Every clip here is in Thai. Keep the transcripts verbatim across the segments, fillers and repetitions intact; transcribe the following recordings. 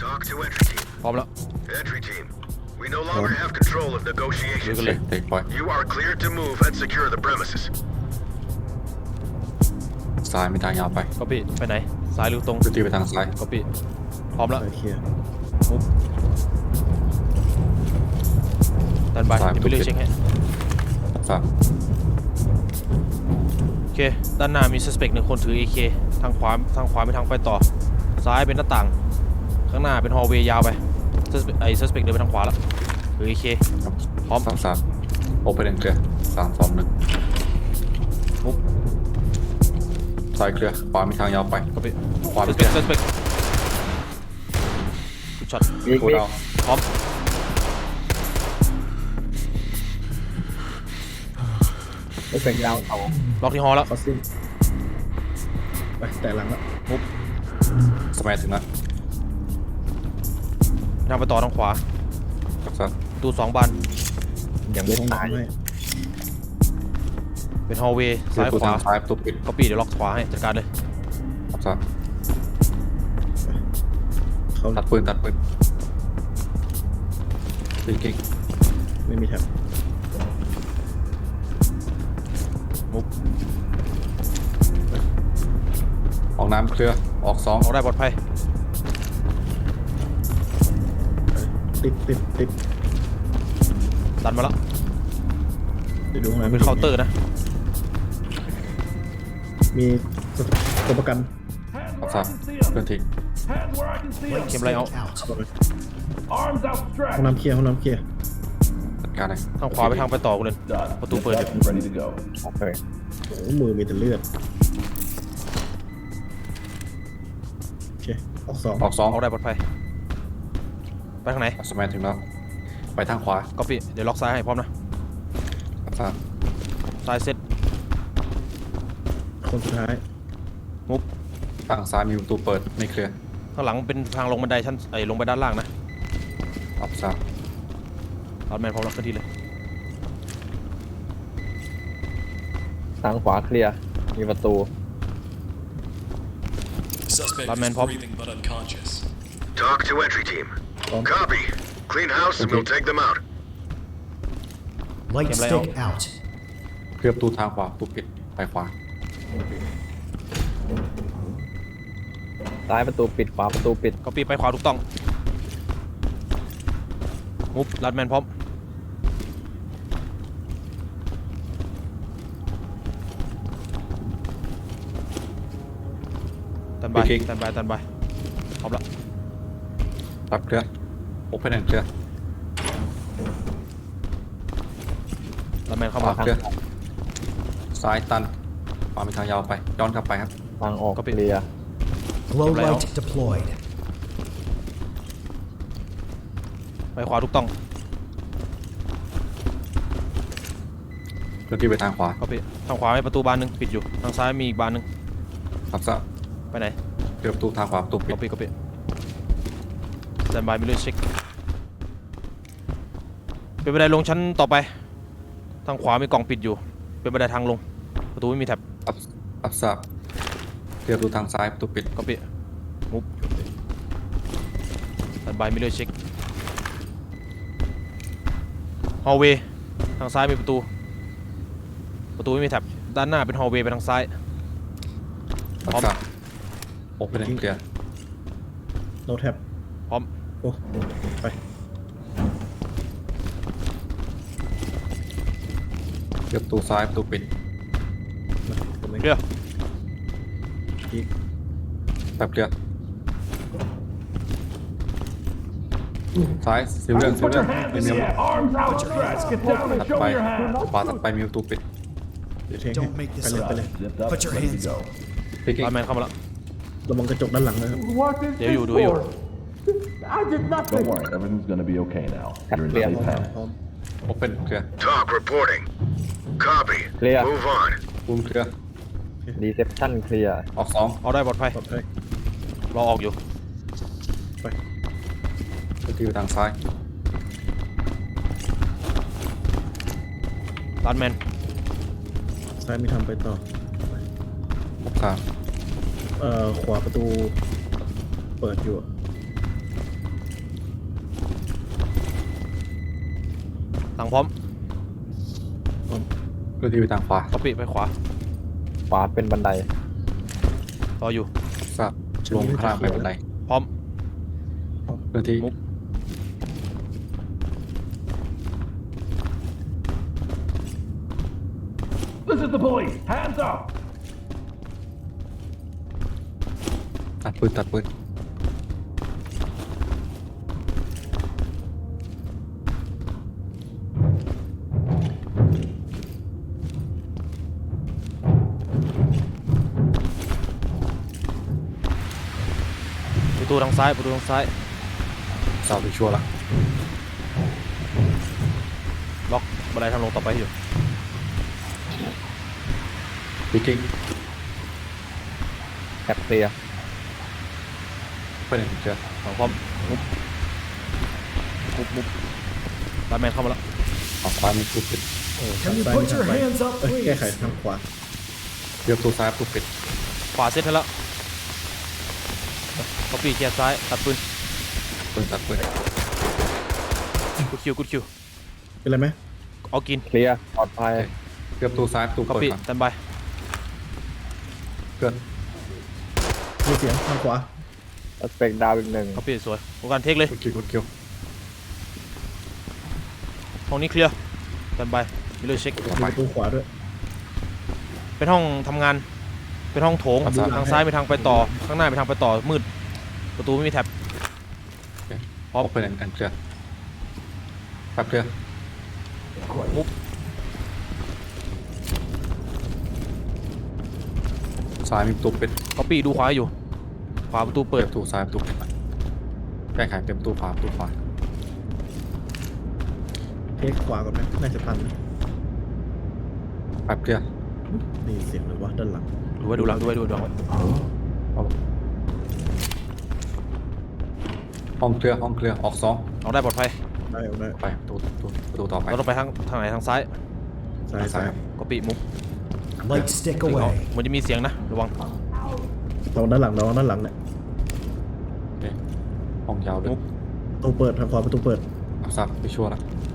Talk to entry team. พร้อมแล้ว Entry team. We no longer have control of ลุย negotiations. กันเลยเด็กปล่อย You are cleared to move and secure the premises. ซ้ายมีทางยาวไปก็ปี้ไปไหนซ้ายหรือตรงพื้นที่ไปทางซ้ายก็ปี้พร้อมแล้วโอเคลียร์มุฟดันไปซ้ายเดี๋ยวไปเลือกเช็คให้ซ้ายโอเคด้านหน้ามี suspect หนึ่งคนถือ เอ เค ทางขวาทางขวาเป็นทางไปต่อซ้ายเป็นหน้าต่างข้างหน้าเป็น hallway ยาวไป suspect ไอ้ suspect เดินไปทางขวาแล้วถือ เอ เค พร้อมสามสามโอเปนเคลียร์สามสองหนึ่งมุฟซ้ายเคลียร์ขวามีทางยาวไปก็ปี้ขวามีเคลีย suspect ร์ suspect กูช็อตบิ๊กกูบิ๊กดาวพร้อมเอฟเฟกต์ดาวเอาล็อกที่ฮอลแล้วคอสซิ่งไปแต่หลังแล้วมุฟสมัยถึงแล้วทางไปต่อทางขวาซ้ายประตูสองบานอย่างไม่ตายให้เป็น hallway เคลียซ้ายร์ประตูขวาทางซ้ายประตูปิดก็ปี้เดี๋ยวล็อกขวาให้จัดการเลยซ้ายเขาตัดปืนตัดปืนยิงกิ๊กไม่มีแท็บมุฟออกน้ำเคลียร์ออกสองออกได้ปลอดภัยติดติดติดดันมาแล้วเดี๋ยวดูนะเป็นเคาน์เตอร์นะมีตัวประกันออกซ้ายเพื่อนทิ้ง Hand where I can see 'em. เข็มไรเอาเข้าไป Arms ห้อง outstretched. น้ำเคลียร์ห้องน้ำเคลียร์จัดการเลยทางขวาไปทางไปต่อกูเลย Done. What the Get fuck? back and ready to go. โอเคโอ้โหมือมีแต่เลือดโอเคออกสองออกสองออกได้ปลอดภัย ไปทางไหนสมัยถึงแล้วไปทางขวาก็ปี้เดี๋ยวล็อกซ้ายให้พร้อมนะซ้ายซ้ายเซตคนสุดท้ายมุฟทางซ้ายมีประตูเปิดไม่เคลียร์ข้างหลังเป็นทางลงบันไดชั้นไอ้ลงไปด้านล่างนะออกซ้ายเอาแมนพร้อมแล้วขึ้นที่เลยทางขวาเคลียร์มีประตู Suspect Batman is pop. breathing but unconscious. Talk to entry team. Um. Copy. Clean house and we'll take them out. Light Game stick layout. out. เคลียร์ประตูทางขวาประตูปิดไปขวาซ้ายประตูปิดขวาประตูปิดก็ปี้ไปขวาถูกต้อง มุฟลัดแมนพร้อม ตันบายตันบายตันบายพร้อมแล้วตัดเคลียร์โอเปนเคลียร์ลัดแมนเข้ามาเคลียร์ซ้ายตันขวามีทางยาวไปย้อนกลับไปครับทางออกก็เคปิดลียร์ Glow Game layout. light deployed. ไปขวาถูกต้องเคลื่อนที่ไปทางขวาก็ปี้ทางขวามีประตูบานหนึ่งปิดอยู่ ทางซ้ายมีอีกบานหนึ่งครับซ้ายไปไหนเคลียร์ประตูทางขวาประตูปิดก็ปี้ก็ปี้สแตนบายมีเลือดเช็คเป็นบันไดลงชั้นต่อไป ทางขวามีกล่องปิดอยู่ เป็นบันไดทางลง ประตูไม่มีแท็บอัพอัพซ้ายเคลียร์ประตูทางซ้ายประตูปิดก็ปี้มุฟสแตนบายมีเลือดเช็คฮอลเวย์ทางซ้ายมีประตู ประตูไม่มีแท็บด้านหน้าเป็นฮอลเวย์ไปทางซ้ายอัพพร้อมซ้ายโอเปนเคลียร์โนแท็บพร้อมโอ้ไปเคลียร์ประตูซ้ายประตูปิดมาตรงนี้เคลียร์อีกแบบเคลียร์ซ้ายซิลเลียนซิล Put เลีย your น hands มี in เมีย the air. Arms outstretched. Get down ถั and ด show ไป me your hands. ขวาถัดไปมีประตูปิดเดี๋ยวเทง Don't make ไป this เลย up. ไปเลย Zipped up. Put your Ready to hands go. พิกกิ้งบาร์แมนเข้ามาแล้วระวังกระจกด้านหลังนะครับ What is เดี๋ยวอยู่ดูอยู่ I did nothing. Don't worry. Everything's gonna be okay now. You're in Clear. safe hands. พร้อมโอเปนเคลียร์ Talk reporting. Copy. Clear. Move on. บูมเคลียร์รีเซพชันเคลียร์ออกสองเอาได้ปลอดภัยปลอดภัยรอออกอยู่ไปเคลื่อนที่ไปทางซ้ายลัดแมนซ้ายมีทางไปต่อออกซ้ายเอ่อขวาประตูเปิดอยู่อะทางพร้อมเคลื่อนที่ไปทางขวาก๊อปปี้ไปขวาขวาเป็นบันไดรออยู่ทราบลงข้างล่างไปบันไดพร้อมเคลื่อนที่มุกตัดปืนตัดปืนประตูทางซ้ายประตูทางซ้ายทราบไปชัวร์ละล็อกบันไดทางลงต่อไปอยู่พิกกิ้งแคปเคลียร์เพื่อนเจอทางพร้อมมุกมุกมุกบาร์แมนเข้ามาแล้วออกขวามีตู้ปิดโอ้ทางซ้ายมีทางไปเอ้ยแก้ไขทางขวาเรียบตู้ซ้ายตู้ปิดขวาเซตให้แล้วก๊อปปี้เคลียร์ซ้ายตัดปืนปืนตัดปืนกูคิวกูคิวเป็นไรไหมเอากินเคลียร์ปลอดภัยเรียบตู้ซ้ายตู้ก๊อปเปิดปี้ก่อนสแตนบายเพื่อนมีเสียงทางขวาสเปกดาวอีกหนึ่งก๊อปปี้สวยโอกาสเทคเลยกดคิวกดคิวห้องนี้เคลียร์สแตนบายมิเลอร์เช็คต่อมีไปประตูขวาด้วยเป็นห้องทำงาน เป็นห้องโถงครับทางซ้ายไปทางไปต่อ ข้างหน้าไปทางไปต่อ มืด ประตูไม่มีแท็บพร้อมเป็นอันเคลียร์แป๊บเคลียร์มุกซ้ายมีตู้ปิดก๊อปปี้ดูขวาอยู่ ขวาประตูเปิเปิดดตู้ซ้ายตู้ปิดแก้ไขเป็นตู้ขวาตู้ขวาเทคขวาก่อนไหมน่าจะทันนะแป๊บเคลียร์นี่เสียงเลยวะด้านหลังดูไว้ดูหลังดูไว้ดูหลังไว้ห้องเคลียร์ห้องเคลียร์ออกสองเอาได้ปลอดภัยได้เอาได้ไปประตูประตูประตูต่อไปเราต้องไปทางทางไหนทางซ้ายซ้ายซ้ายก๊อปปี้มุก Light stick เอา away. เหมันจะมีเสียงนะ ระวังตรงด้านหลังเราด้านหลังเนี่ยโอเคห้องยาวเลยมุกประตูเปิดทางขวาประตูเปิดเอาซับไปชัวร์ละ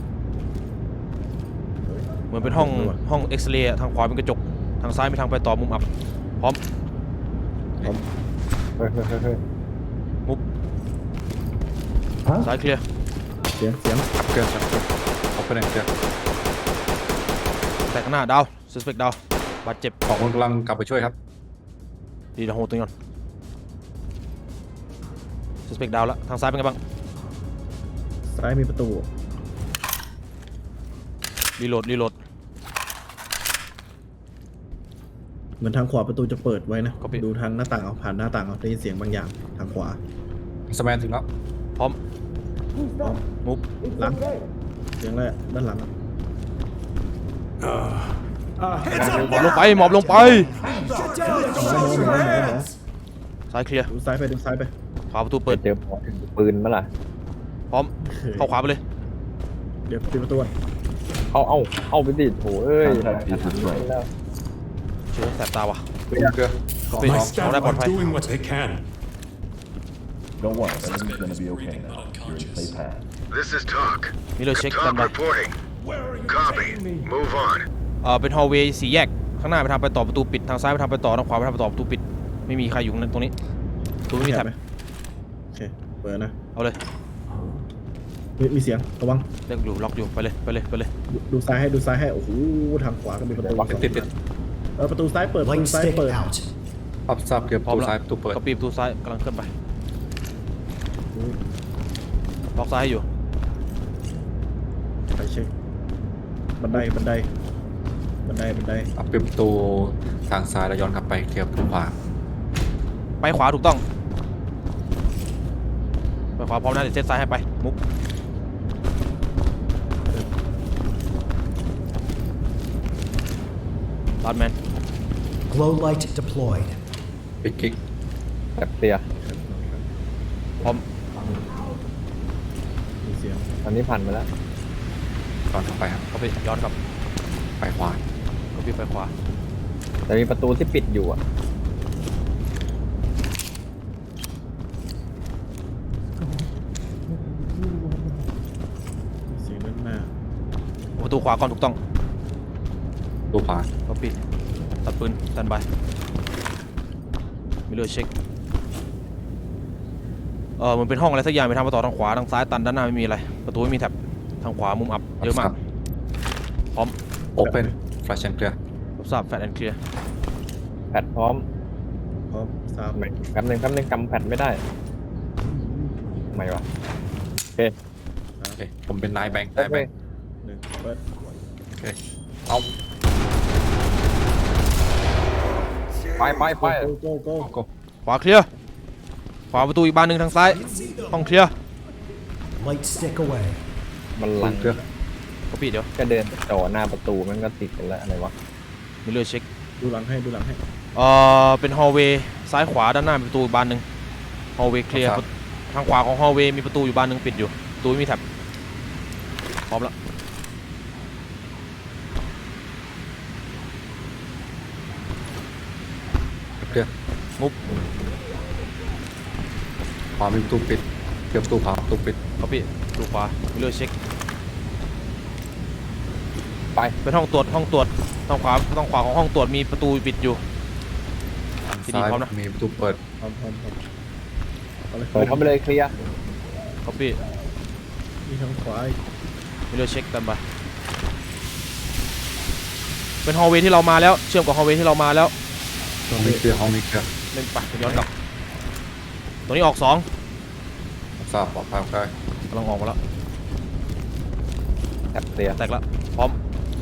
เหมือนเป็นห้องห้องเอ็กซเรย์ทางขวาเป็นกระจก ทางซ้ายมีทางไปต่อมุมอับ พร้อมเฮ้ยเฮ้ยเฮ้ยเฮ้ยมุกซ้ายเคลียร์เสียงเสียงแป๊บเคลียร์แป๊บเคลียร์เอาไปไหนเคลียร์แต่ข้างหน้าดาวสเปกดาวบาดเจ็บสองคนกำลังกลับไปช่วยครับดีนะโหตัวนี้ก่อนสเปกดาวแล้ว ทางซ้ายเป็นไงบ้างซ้ายมีประตูรีโหลด รีโหลดเหมือนทางขวาประตูจะเปิดไว้นะก็ปิดดูทางหน้าต่างเอาผ่านหน้าต่างเอาได้ยินเสียงบางอย่างทางขวาสแมนถึงแล้วพร้อมพร้อมมุกหลังเสียงแรกด้านหลังอะหมอบลงไป หมอบลงไป ซ้ายเคลียร์ดูซ้ายไปดูซ้ายไปขวาประตูเปิดเจอปืนมั้ยล่ะพร้อม เข้าขวาไปเลยเดี๋ยวปิดประตูก่อนเข้าเอ้าเข้าไปดิโถเอ้ย Contact is destroyed. แล้วเชื่อแสบตาว่ะเคลียร์เคลียร์ก๊อปปี้ My เอา staff ได้ปลอด are ภัย doing what they can. Don't worry, everything's gonna be okay now. You're in safe hands. This is talk. มิเลอร์เช็ค Talk กันไป reporting. Copy. Move on. เออเป็นฮอลเวย์สี่แยก ข้างหน้าไปทางไปต่อประตูปิด ทางซ้ายไปทางไปต่อ ทางขวาไปทางไปต่อประตูปิด ไม่มีใครอยู่ตรงนี้ประตูไม่มีแท็บไหโอเคเปิดนะเอาเลยมีมีเสียงระวังเล็กอยู่ล็อกอยู่ ไปเลย ไปเลย ไปเลยดูดูซ้ายให้ดูซ้ายให้โอ้โหทางขวาก็มีประตูสองติดติดเออประตูซ้ายเปิดประ Light ตูซ้าย stick เปิด out. อัพซับเคลียร์พร้อมตู้แล้วซ้ายตู้เปิดก็ปีประตูซ้ายกำลังเคลื่อนไป ล็อกซ้ายให้อยู่ไปเช็คบันไดบันไดบันไดบันไดอัพปิดประตูทางซ้ายแล้วย้อนกลับไปเคลียร์ประตูขวาไปขวาถูกต้อง ไปขวาพร้อมนะเดี๋ยวเซตซ้ายให้ไป มุก บาร์แมน Glow light deployed. ปิดคิกแคปเคลียร์พร้อมมีเสียงอันนี้ผ่านมาแล้วย้อนกลับไปครับก็ไปย้อนกลับไปขวาก็ไปไปขวาแต่มีประตูที่ปิดอยู่อ่ะมีเสียงด้านหน้าตูขวาก่อนถูกต้องตัวขวาก็ปีตัดปืนตันไปมิเลอร์เช็คเออมันเป็นห้องอะไรสักอย่างไปทางประตูทางขวาทางซ้ายตันด้านหน้าไม่มีอะไรประตูไม่มีแท็บทางขวามุมอับเยอะมากพร้อมโอเปนแฟลชแอนด์เคลียร์รับทราบแฟลชแอนด์เคลียร์แพทพร้อมพร้อมสามไม่แป๊บนึงแป๊บนึงกำแพทไม่ได้ทำไมวะโอเคโอเคผมเป็นนายแบงค์โอนายเคแบงค์หนึ่งเปิดโอเคเอาไปไปไปโก้โก้โก้ขวาเคลียร์ขวาประตูอีกบานหนึ่งทางซ้ายห้องเคลียร์ Light stick away. มันหลังเคลียร์ก็ปีเดี๋ยวก็เดินจ่อหน้าประตูมันก็ติดกันแล้วอะไรวะมิเลอร์เช็คดูหลังให้ดูหลังให้เอ่อเป็นฮอลเวย์ซ้ายขวาด้านหน้ามีประตูอีกบานหนึ่งฮอลเวย์เคลียร์ทางขวาของฮอลเวย์มีประตูอยู่บานหนึ่งปิดอยู่ประตูไม่มีแท็บพร้อมแล้วเคลียร์มุฟขวามีประตูปิดเคลียร์ประตูขวาประตูปิดก็ปีประตูขวามิเลอร์เช็คไปเป็นห้องตรวจห้องตรวจทางขวาทางขวาของห้องตรวจมีประตูปิดอยู่ทางที่นี่ซ้ายพร้อมนะมีประตูเปิดพร้อมพร้อมพร้อมเอาเลยเปิดเข้าไปเลยเคลียร์ก็ปีมีทางขวาอีกมิเลอร์เช็คกันไปเป็นฮอลเวย์ที่เรามาแล้วเชื่อมกับฮอลเวย์ที่เรามาแล้วห้องมีเคลียร์ห้องมีเคลียร์เล่นไปย้อนกลับตัวนี้ออกสองทราบปลอดภัยใกล้กำลังออกมาแล้วแท็บเคลียร์แตกแล้วพร้อม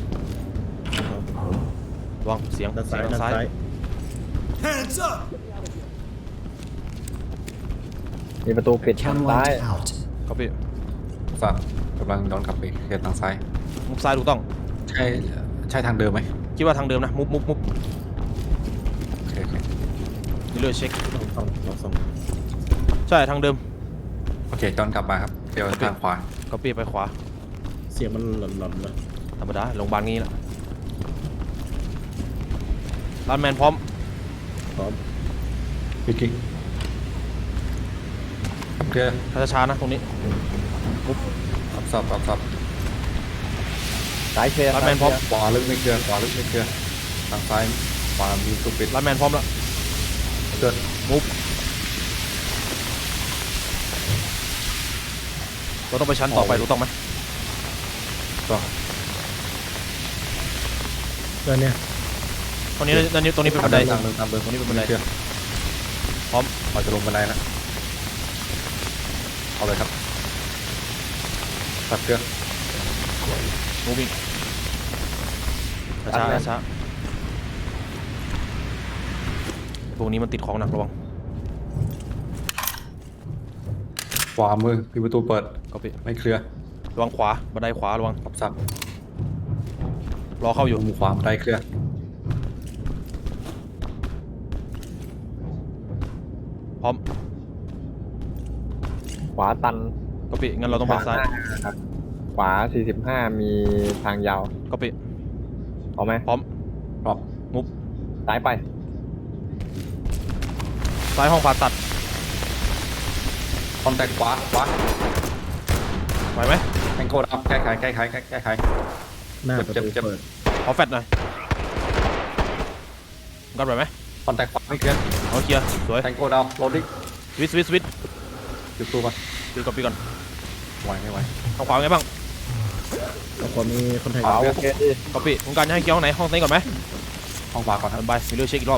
ระวังเสียงด้านเสีซ้ายยงด้านทางซ้ายซ้าย Hands up. มีประตูปิดทาง Chem ซ้าย light out. ก็ปีทราบกำลังย้อนกลับไปเคลียร์ทางซ้ายมุฟซ้ายถูกต้องใช่ใช่ทางเดิมไหมคิดว่าทางเดิมนะ มุฟมุฟมุฟโอเคโอเคมิเลอร์เช็คสองสองสองสองใช่ทางเดิมโอเคย้อนกลับมาครับเดี๋ยวทางขวาก็ปีไปขวาเสียงมันหลอนหลอนเลยธรรมดาโรงพยาบาลงี้แหละรันแมนพร้อมพร้อมพิกกิ้งเคลียร์ช้าๆนะตรงนี้รับทราบรับทราบซ้ายเคลียร์รันแมนพร้อมขวาลึกไม่เคลียร์ขวาลึกไม่เคลียร์ทางซ้ายขวามีประตูปิดรันแมนพร้อมแล้วเกิดมุฟเราต้องไปชั้นต่อไปรู้ต้องไหมก็เดินเนี่ยตรงนี้ตรงนี้ตรงนี้เป็นบันไดตามเดิมตามเดิมตรงนี้เป็นบันไดเคลียร์พร้อมเราจะลงบันไดนะเอาเลยครับตัดเครื่องมูวิ่งช้าๆช้าๆพวกนี้มันติดของหนักระวังขวามือมีประตูเปิดก็ปีไม่เคลียร์ระวังขวาบันไดขวาระวังรับทราบรอเข้าอยู่มุมขวาบันไดเคลียร์พร้อมขวาตันก็ปีงั้นเราต้องไปซ้ายขวาสี่สิบห้ามีทางยาวก็ปีเอาไหมพร้อมรอบมุฟซ้ายไปซ้ายห้องผ่าตัดคอนแทคขวาขวาไหวไหมแองโกดอัพแก้ไขแก้ไขแก้แก้ไขหน้าเจ็บประตูเจ็บเปิดขอแฟดหน่อยกันไหวไหมคอนแทคขวาไม่เคลียร์เอาเคลียร์สวยแองโกดาวโรดดิ้งสวิตสวิตสวิตจุดตัวก่อนปีก่อนปีก่อนไหวไม่ไหวทางขวาเป็นไงบ้างแล้วก็มีคนไทยขวาโอเคดิก็ปีต้องการจะให้เกี่ยวห้องไหนห้องไหนก่อนไหมห้องขวาก่อนครับทันไปมีเรื่องเช็คอีกรอบ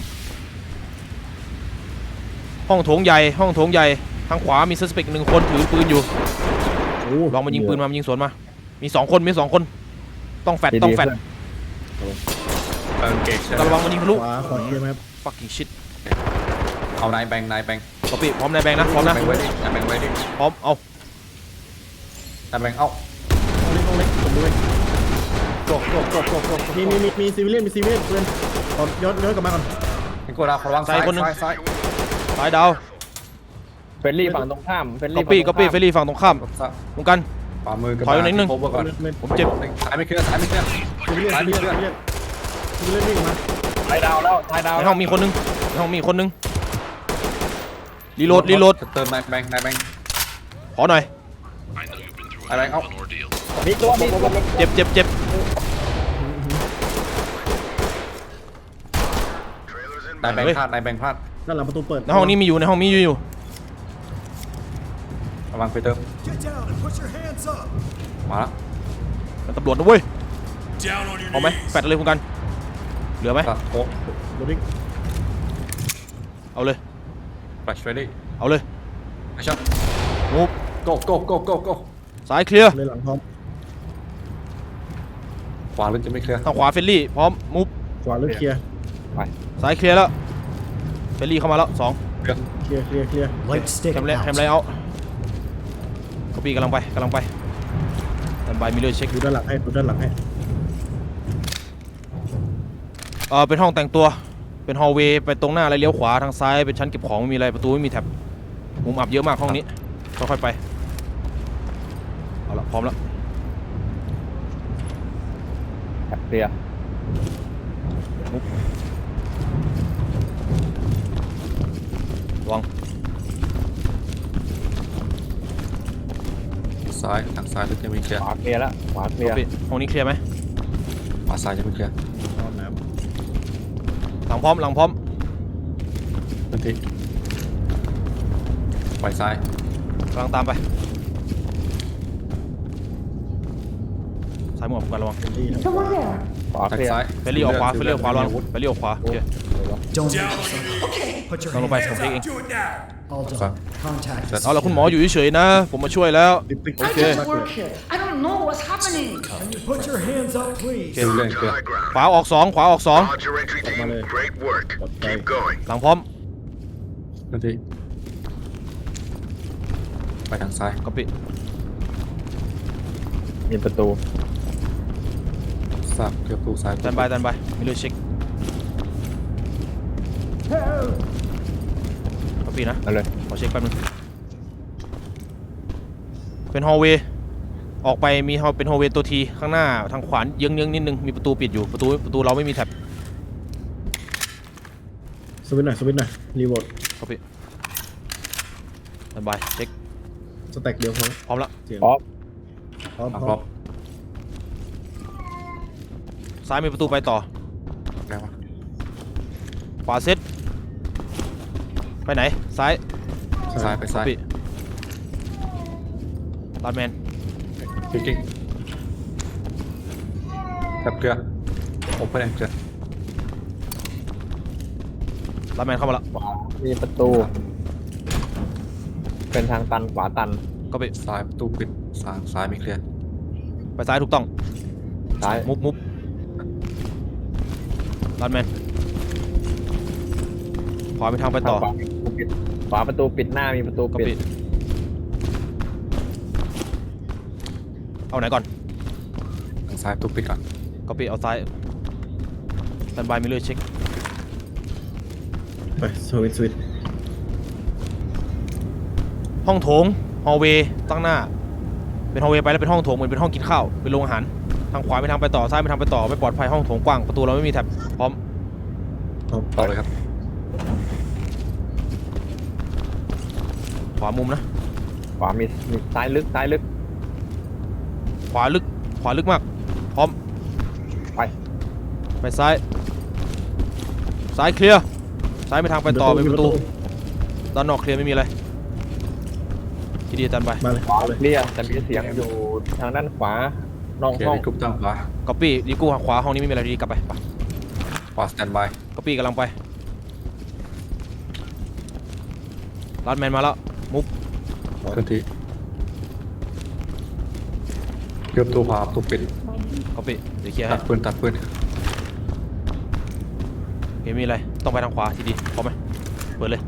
ห้องโถงใหญ่ห้องโถงใหญ่ทางขวามีซัสเปกหนึ่งคนถือปืนอยู่โอ้ลองมายิงปืนมายิงสวนมามีสองคนมีสองคนต้องแฟดต้องแฟดเออเกจใช่ไหมระวังมันยิงทะลุขวาขวาเคลียร์ไหมครับ fucking shit เอานายแบงค์นายแบงค์ก็ปีพร้อมนายแบงค์นะพร้อมนะแบงค์ไว้ดินายแบงค์ไว้ดิพร้อมเอานายแบงค์เอ้าเอาเล็กเอาเล็กผมด้วยโจกโจกโจกโจกโจกมีมีมีมีซีวิเลียนมีซีวิเลียนเพื่อนเอาย้อนย้อนกลับมาก่อนแองโกดาวระวังซ้ายซ้ายซ้ายซ้ายดาวเฟรนลี่ฝั่งตรงข้ามเฟรนก็ลี่ปีก็ปีเฟรลี่ฝั่งตรงข้ามรับทราบตรงกันขวามือกับถอยไปนิดนึงโคเวอร์ก่อนผมเจ็บซ้ายไม่เคลียร์ซ้ายไม่เคลียร์ซีวิเลียนซ้ายซีไม่วิเคเลีลียยนร์ซีวิเลียนซีวิเลียนวิ่งมาท้ายดาวแล้วท้ายดาวในห้องมีคนนึงในห้องมีคนนึงรีโหลดรีโหลดเติมนายแบงค์นายแบงค์ขอหน่อยอะไรเอ้ามีตัวมีตัวเจ็บเจ็บเจ็บ Trailers นายแบง inbound. ค์พลาดนายแบงค์พลาดด้านหลังประตูเปิดในห้องนี้มีอยู่ในห้องนี้อยู่อยู่ระวังไปเติม Get down and put your hands up. มาแล้วเป็นตำรวจนะเว้ย Down on your เอาไหมแฟดเลยคุณกันเหลือไหมตัดโค้งโรดิ้งเอาเลยแฟลชเรดี้เอาเลยไปช็อตมูฟโก้โก้โก้โก้โก้ซ้ายเคลียร์เลยหลังพร้อมขวาลึกจะไม่เคลียร์ทางขวาเฟลลี่พร้อมมูฟขวาเลือกเคลียร์ซ้ายเคลียร์แล้วเฟลลี่เข้ามาแล้วสองเคลียร์เคลียร์เคลียร์เคลียร์ Light stick แคมเล out. แคมเลเอาคอปี้กำลังไปกำลังไปแอนบายมิเลอร์เช็คดูด้านหลังให้ดูด้านหลังให้เออเป็นห้องแต่งตัวเป็นฮอลล์เวย์ไปตรงหน้าแล้วเลี้ยวขวาทางซ้ายเป็นชั้นเก็บของไม่มีอะไรประตูไม่มีแท็บมุมอับเยอะมากห้องนี้ค่อยๆไปเอาละพร้อมแล้วเคลียร์ระวังซ้ายทางซ้ายลึกจะไม่เคลียร์ขวาเคลียร์แล้วขวาเคลียร์ปิดห้องนี้เคลียร์ไหมขวาซ้ายจะไม่เคลียร์พร้อมน้หลังพร้อมหลังพร้อมทันทีไปซ้ายกำลังตามไปซ้ายมือผมกันระวังำเฟลลี่ครับขวาทางเคลียร์ซ้ายเฟลลี่ออกขวาเฟลลี่ออกขวาระวังเฟลลี่ออกขวาโอเค Don't put your ลองลงไป hands ผมเช็คเอง Do it now. All done. Contact. เอาละคุณหมออยู่เฉยๆนะ ผมมาช่วยแล้วติ๊กติ๊กโอ I เค just work here. I don't know what's happening. Can you put your hands up, please? ดูเรื่องเคลียร์ High ground. ขวาออกสองขวาออกสอง Roger, entry team. Great work. Okay. Keep going. หลังพร้อมทันทีไปทางซ้ายก็ปิดมีประตูทราบเคลียร์ประตูซ้ายแตนบายแตนบายมิเลอร์เช็คก็ปิดนะเอาเลยขอเช็คแป๊บนึงเป็นฮอลล์เวย์ออกไปมีฮอลเป็นฮอลล์เวย์ตัวทีข้างหน้าทางขวาเยื้องๆนิดนึงมีประตูปิดอยู่ประตูประตูเราไม่มีแท็บสวิตช์หน่อยสวิตช์หน่อยรีโหวตก็ปิดแตนบายเช็คสแต็กเดียวพร้อมพร้อมแล้วเสียงพร้อมพร้อมอ่ะพครร้อบ มซ้ายมีประตูไปต่อแล้ววะขวาเซตไปไหนซ้ายซ้ายไปซ้ายปิดลาดแมนกิ๊กกิ๊กจับเคลียร์โอเปนเคลียร์ลาดแมนเข้ามาแล้วขวามีประตู เป็นทางตันขวาตันก็ปิดซ้ายประตูปิดซ้ายซ้ายไม่เคลียร์ไปซ้ายถูกต้องซ้ายมุฟมุฟลาดแมนขวาไปทางไปต่อขวาประตูปิดขวาประตูปิดหน้ามีประตูก็ปิปิดดเอาไหนก่อนทางซ้ายประตูปิดก่อนก็ปิดเอาซ้ายแตนบายมิเลอร์เช็คไปสวิตช์สวิตช์ห้องโถงฮอลล์เวย์ตั้งหน้าเป็นฮอลล์เวย์ไปแล้วเป็นห้องโถงเหมือนเป็นห้องกินข้าวเป็นโรงอาหารทางขวาไปทางไปต่อซ้ายไปทางไปต่อไม่ปลอดภัยห้องโถงกว้างประตูเราไม่มีแท็บพร้อมพร้อมต่อเลยครับขวามุมนะขวามีมีซ้ายลึกซ้ายลึกขวาลึกขวาลึกมากพร้อมไปไปซ้ายซ้ายเคลียร์ซ้ายไปทางไปต่อเป็นประตูด้านนอกเคลียร์ไม่มีอะไรทีดีจันไปมาเลยขวาเอาเลยเคลียร์แต่มีเสียงอยู่ทางด้านขวานอกเคลียห้ร์องในกรุ๊ปตั้งขวาก๊อปปี้ดีกูขวาห้องนี้ไม่มีอะไรดีกลับไปไปขวาสแตนบายก๊อปปี้กำลังไปลัดแมนมาแล้วมุฟทันทีเคลียร์ประตูขวาประตูปิดก๊อปปี้เดี๋ยวเคลียร์ตัให้ดปืนตัดปืนเห็นมีอะไรต้องไปทางขวาทีดีพร้อมไหมเปิดเลย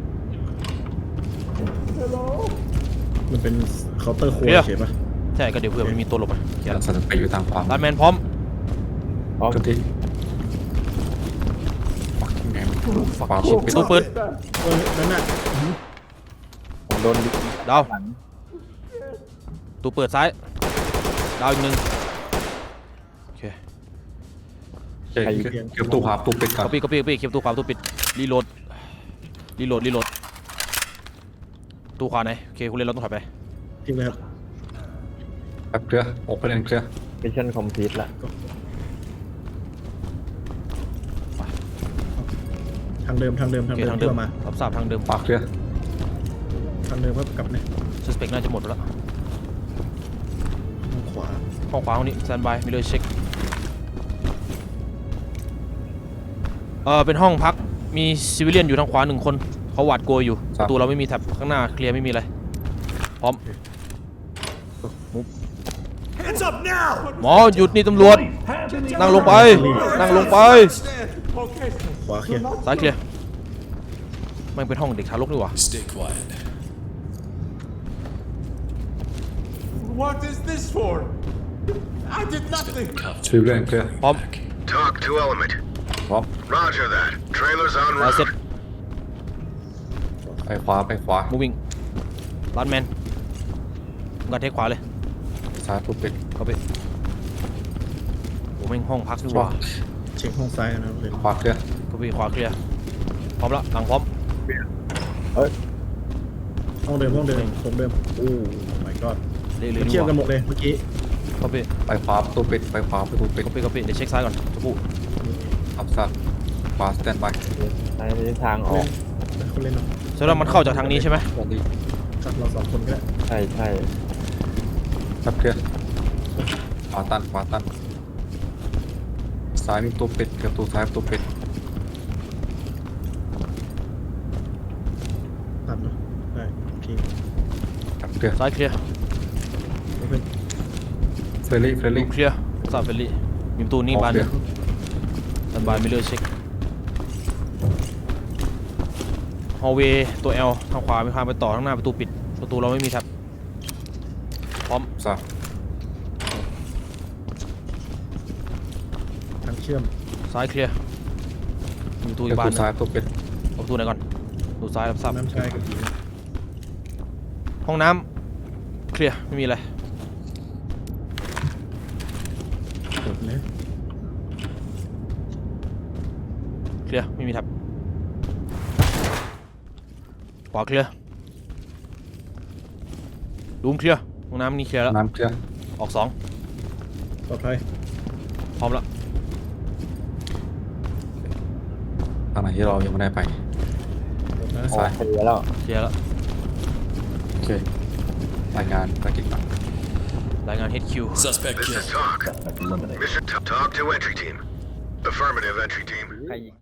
มันเป็นเคาน์เตอร์ครัวเคลียร์เฉยปะใช่ก็เดี๋ยวเผื่อมันมีตัวหลบไปเคลียร์สันไปอยู่ทางขวาลัดแมนพร้อมพร้อมทันทีฟักแมนขวาประตูปิดประตูเปิดเออนั่นน่ะผมโดนดาวหลังประตูเปิดซ้ายดาวอีกหนึ่งโอเคเคลียร์เคลียร์ประตูขวาประตูปิดก่อนก๊อปปี้ก๊อปปี้ก๊อปปี้เคลียร์ประตูขวาประตูปิดรีโหลดรีโหลดรีโหลดประตูขวาไหนโอเคคุณเล่นเราต้องถอยไปทิ้งเลยครับลียร์โอเพนเอ็นเคลียร์มิชชั่นคอมพลีทละทางเดิมทางเดิมโอทางเคเดิมทางเดิเพื่มอมารับทราบทางเดิมขวาเคลียร์ทางเดิมเพื่อกลับเนี่ย suspect น่าจะหมดแล้วทางขวาห้องขวาห้องนี้ stand by มีเลยเช็คเออเป็นห้องพักมีซิวิเลียนอยู่ทางขวาหนึ่งคนเขาหวาดกลัวอยู่ประตูเราไม่มีแท็บข้างหน้าเคลียร์ไม่มีอะไรพร้อม Hands up now! หมอหยุดนี่ตำรวจนั่งลงไปนั่งลงไปขวาเคลียร์ซ้ายเคลียร์มันเป็นห้องเด็กทารกนี่หว่า Stay quiet. What is this for? I did nothing. ซิวิเลียนเคลียร์พร้อม Talk to element. พร้อม Roger that. Trailers en ซ้ายเสร็จ route. ไปขวาไปขวา moving ลันแมนมึงกันเทคขวาเลยซ้ายตัวปิดเข้าไปโอ้แม่งห้องพักนี่หว่าเช็คห้องซ้ายกันนะครับเลยขวาเคลียร์เข้าไปขวาเคลียร์พร้อมละหลังพร้อมห้องเดิมห้องเดิมตรงเดิมโอ้ my god เรื่อยมันๆเชื่นี่อมหกันว่าหมดเลยเมื่อกี้เข้าไปไปขวาประตูปิดไปขวาประตูปิดเข้าไปเข้าไปเดี๋ยวเช็คซ้ายก่อนจะพูดอัพซัดขวาสแตนบายในทิศทางออกคนเล่นเนาะแสดงว่ามันเข้าจากทางนี้ใช่ไหมสวัสดีจับเราสองคนก็ได้ใช่ใช่ครับเคลียร์ขวาตันขวาตันซ้ายมีตัวปิดกับตัวซ้ายตัวปิดตัดเนาะได้โอเคครับเคลียร์ซ้ายเคลียร์โอเคเฟรลี่เฟรดูลี่เคลียร์ทราบเฟลลี่มีประตูนี้บานหนึงดันบานมิเลอร์เช็คฮอลเวย์ตัว L ทางขวามีทางไปต่อทางหน้าประตูปิดประตูเราไม่มีแท็บพร้อมซ้ายทางเชื่อมซ้ายเคลียร์มีประตูอีกับกบานตัวหนึงซ้ายตัวปิดเอาประตูไหนก่อนประตูซ้ายรับทราบน้ำชายกับผีห้องน้ำเคลียร์ไม่มีอะไรกดเลยเคลียร์ไม่มีแท็บขวาเคลียร์รูมเคลียร์ห้องน้ำนี่เคลียร์แล้วน้ำเคลียร์ออกสองปลอดภัยพร้อมแล้วทางไหนที่เรายังไม่ได้ไปกดนะออกเคลียร์แล้วเคลียร์แล้วโอเครายงานภารกิจต่างรายงาน เอช คิว Suspect This killed. is talk. Suspect eliminated. Mission t- talk to entry team. Affirmative entry team.